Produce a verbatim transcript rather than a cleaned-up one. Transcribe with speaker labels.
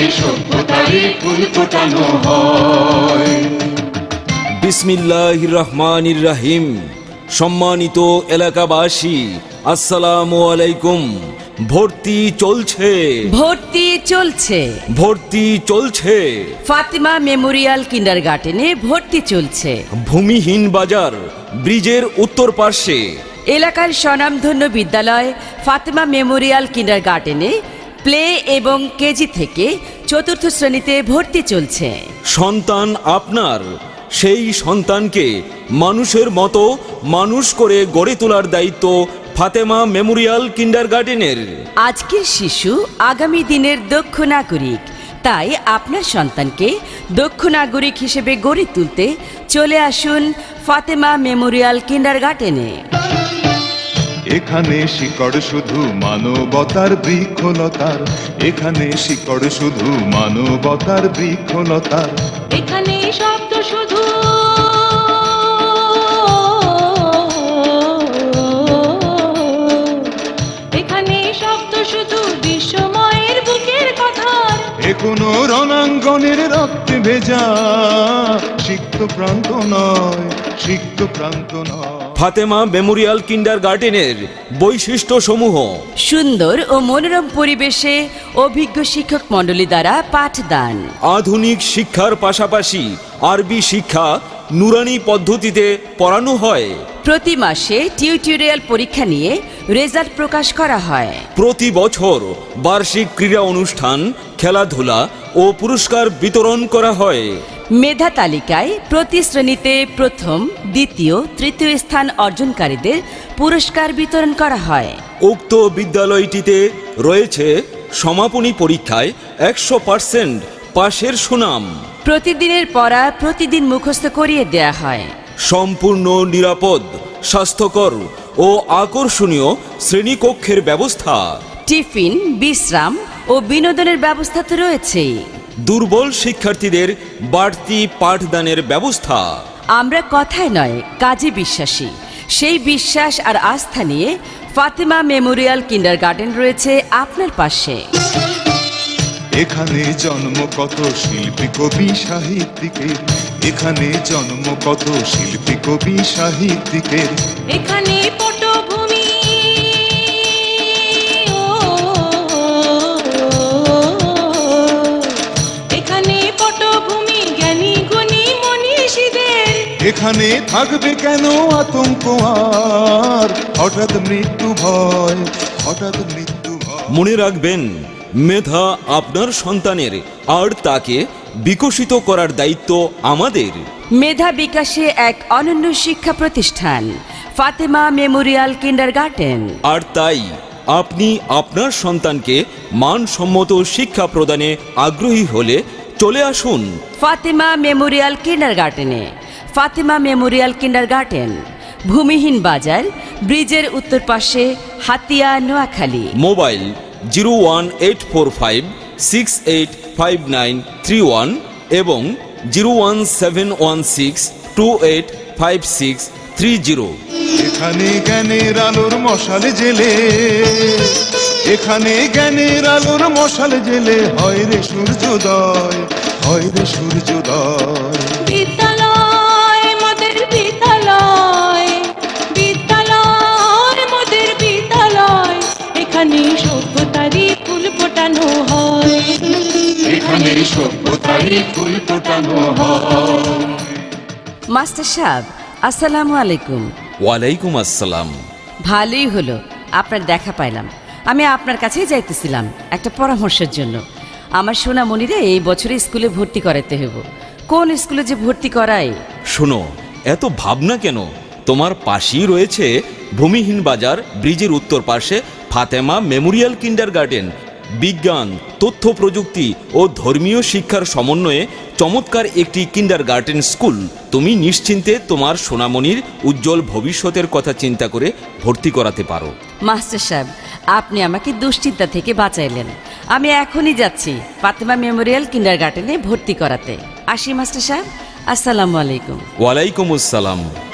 Speaker 1: সভ্যতারই ফুল ফোটানো হয়।
Speaker 2: বিসমিল্লাহির রহমানির রহিম। সম্মানিত এলাকাবাসী, আসসালামু আলাইকুম। ভর্তি চলছে
Speaker 3: ভর্তি চলছে
Speaker 2: ভর্তি চলছে
Speaker 3: ফাতেমা মেমোরিয়াল কিন্ডারগার্টেনে ভর্তি চলছে।
Speaker 2: ভূমিহীন বাজার ব্রিজের উত্তর পার্শ্বে
Speaker 3: এলাকার স্বনামধন্য বিদ্যালয় ফাতেমা মেমোরিয়াল কিন্ডারগার্টেনে প্লে এবং কেজি থেকে চতুর্থ শ্রেণীতে ভর্তি চলছে।
Speaker 2: সন্তান আপনার, সেই সন্তানকে মানুষের মতো মানুষ করে গড়ে তোলার দায়িত্ব ফাতেমা মেমোরিয়াল কিন্ডারগার্টেনের।
Speaker 3: আজকের শিশু আগামী দিনের দক্ষ নাগরিক, তাই আপনার সন্তানকে দক্ষ নাগরিক হিসেবে গড়ে তুলতে চলে আসুন ফাতেমা মেমোরিয়াল কিন্ডারগার্টেনে।
Speaker 4: এখানে শিকড় শুধু মানবতার বৃক্ষলতার, এখানে শিকড় শুধু মানবতার বৃক্ষলতার,
Speaker 5: এখানে শব্দ শুধু এখানে শব্দ শুধু বিশ্বময়ের বুকের কথা।
Speaker 4: এ কোনো রণাঙ্গনের রক্তে ভেজা সিক্ত প্রান্ত নয়, সিক্ত প্রান্ত নয়।
Speaker 2: ফাতেমা মেমোরিয়াল কিন্ডারগার্টেনের বৈশিষ্ট্য সমূহ:
Speaker 3: সুন্দর ও মনোরম পরিবেশে অভিজ্ঞ শিক্ষক মণ্ডলী দ্বারা পাঠদান,
Speaker 2: আধুনিক শিক্ষার পাশাপাশি আরবি শিক্ষা নুরানি পদ্ধতিতে পড়ানো হয়।
Speaker 3: প্রতি মাসে টিউটোরিয়াল পরীক্ষা নিয়ে রেজাল্ট প্রকাশ করা হয়।
Speaker 2: প্রতি বছর বার্ষিক ক্রীড়া অনুষ্ঠান, খেলাধুলা ও পুরস্কার বিতরণ করা হয়।
Speaker 3: মেধা তালিকায় প্রতি শ্রেণীতে প্রথম, দ্বিতীয়, তৃতীয় স্থান অর্জনকারীদের পুরস্কার বিতরণ করা হয়।
Speaker 2: উক্ত বিদ্যালয়টিতে রয়েছে সমাপনী পরীক্ষায় একশো পার্সেন্ট পাশের সুনাম।
Speaker 3: প্রতিদিনের পড়া প্রতিদিন মুখস্থ করিয়ে দেয়া হয়।
Speaker 2: সম্পূর্ণ নিরাপদ, স্বাস্থ্যকর ও আকর্ষণীয় শ্রেণীকক্ষের ব্যবস্থা।
Speaker 3: টিফিন, বিশ্রাম ও বিনোদনের ব্যবস্থা তো রয়েছেই।
Speaker 2: দুর্বল শিক্ষার্থীদের বাড়তি পাঠদানের ব্যবস্থা।
Speaker 3: আমরা কথায় নয় কাজে বিশ্বাসী। সেই বিশ্বাস আর আস্থা নিয়ে ফাতেমা মেমোরিয়াল কিন্ডারগার্টেন রয়েছে আপনার পাশে।
Speaker 4: এখানে জন্ম কত শিল্পী কবি সাহিত্যিকের, এখানে জন্ম কত শিল্পী কবি সাহিত্যিকের,
Speaker 5: এখানে পটভূমি এখানে পটভূমি জ্ঞানী গুণী মনীষীদের।
Speaker 4: এখানে থাকবে কেন আতঙ্ক আর হঠাৎ মৃত্যু ভয়, হঠাৎ মৃত্যু ভয়।
Speaker 2: মনে রাখবেন, মেধা আপনার সন্তানের, আর তাকে বিকশিত করার দায়িত্ব আমাদের।
Speaker 3: মেধা বিকাশে এক অনন্য শিক্ষা প্রতিষ্ঠান ফাতেমা মেমোরিয়াল কিন্ডারগার্টেন।
Speaker 2: আর তাই আপনি আপনার সন্তানকে মানসম্মত শিক্ষা প্রদানে আগ্রহী হলে চলে আসুন
Speaker 3: ফাতেমা মেমোরিয়াল কিন্ডারগার্টেনে। ফাতেমা মেমোরিয়াল কিন্ডারগার্টেন, ভূমিহীন বাজার ব্রিজের উত্তর পাশে, Hatiya, Noakhali.
Speaker 2: Mobile zero one eight four five six eight five nine three one এবং zero one seven one six two eight five six three zero.
Speaker 4: এখানে জ্ঞানের আলোর মশাল জেলে, এখানে জ্ঞানের আলোর মশাল জেলে হয় রে সূর্যোদয়, হয় রে সূর্যোদয়।
Speaker 5: বিদ্যালয় মোদের বিদ্যালয়, বিদ্যালয় মোদের বিদ্যালয়, এখানে সভ্যতারই ফুল ফোটানো হয়।
Speaker 1: এখানে সভ্যতারই ফুল ফোটানো হয়।
Speaker 3: মাস্টার সাহেব, আসসালামু আলাইকুম।
Speaker 2: ওয়ালাইকুম আসসালাম।
Speaker 3: ভালোই হলো আপনার দেখা পাইলাম। আমি আপনার কাছেই যাইতেছিলাম একটা পরামর্শের জন্য। আমার সোনামণিরে এই বছরে স্কুলে ভর্তি করাতে হইব। কোন স্কুলে যে ভর্তি করাই?
Speaker 2: শোনো, এত ভাবনা কেন? তোমার পাশেই রয়েছে ভূমিহীন বাজার ব্রিজের উত্তর পাশে ফাতেমা মেমোরিয়াল কিন্ডারগার্টেন। বিজ্ঞান, তথ্য প্রযুক্তি ও ধর্মীয় শিক্ষার সমন্বয়ে চমৎকার একটি কিন্ডারগার্টেন স্কুল। তুমি নিশ্চিন্তে তোমার সোনামণির উজ্জ্বল ভবিষ্যতের কথা চিন্তা করে ভর্তি করাতে পারো।
Speaker 3: মাস্টার সাহেব, আপনি আমাকে দুশ্চিন্তা থেকে বাঁচাইলেন। আমি এখনই যাচ্ছি ফাতেমা মেমোরিয়াল কিন্ডারগার্টেনে ভর্তি করাতে। আসি মাস্টার সাহেব, আসসালামু আলাইকুম।
Speaker 2: ওয়ালাইকুম আসসালাম।